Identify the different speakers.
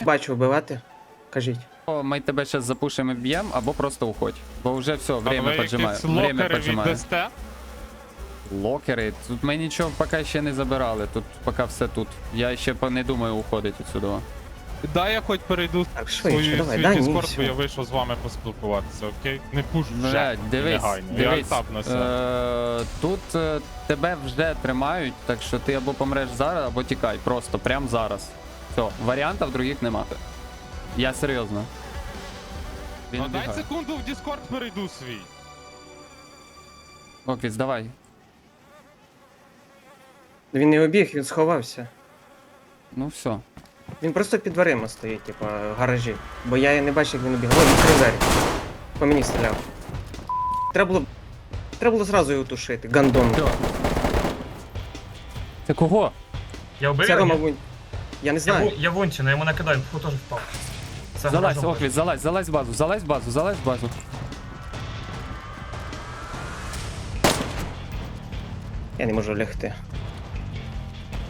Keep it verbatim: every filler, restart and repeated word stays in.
Speaker 1: Бачу, вбивати. Кажіть.
Speaker 2: О, ми тебе зараз запушимо і б'ємо, або просто уходь. Бо вже все, время
Speaker 3: А ви
Speaker 2: поджимає.
Speaker 3: якісь
Speaker 2: Время
Speaker 3: локери
Speaker 2: поджимає.
Speaker 3: віддасте?
Speaker 2: Локери? Тут ми нічого поки ще не забирали. Тут поки все тут. Я ще по- не думаю уходити відсюди.
Speaker 3: Дай я хоч перейду
Speaker 1: Так, швидше,
Speaker 3: свою,
Speaker 1: давай,
Speaker 3: свій
Speaker 1: дай, ні,
Speaker 3: Discord,
Speaker 1: все.
Speaker 3: бо я вийшов з вами поспілкуватися, окей? Не пуш вже,
Speaker 2: Блядь, дивись,
Speaker 3: негайно. Я
Speaker 2: дивись.
Speaker 3: альтапнуся.
Speaker 2: Е, тут е, тебе вже тримають, так що ти або помреш зараз, або тікай. Просто, прям зараз. Все, варіантів других нема. Я серйозно. Він
Speaker 3: Ну дай
Speaker 2: убігає.
Speaker 3: секунду в Discord перейду свій.
Speaker 2: Оквіц, давай.
Speaker 1: Він не обіг, він сховався.
Speaker 2: Ну все.
Speaker 1: Він просто під дверима стоїть, типа, в гаражі. Бо я не бачив, як він обіг. Ой, відкрив двері. По мені стріляв. Треба було. Треба було зразу його тушити. Гандон.
Speaker 2: Все. Це кого?
Speaker 4: Я вбив
Speaker 1: Це
Speaker 4: його?
Speaker 1: Рома
Speaker 4: ні?
Speaker 1: Вунь. Я не
Speaker 4: Я,
Speaker 1: знаю.
Speaker 4: ву- я Вунчина, я йому накидаю, фу, теж впав. Це
Speaker 2: Залазь,
Speaker 4: гаражом
Speaker 2: Оквіц, залазь, залазь в базу, залазь в базу, залазь в базу.
Speaker 1: Я не можу лягти.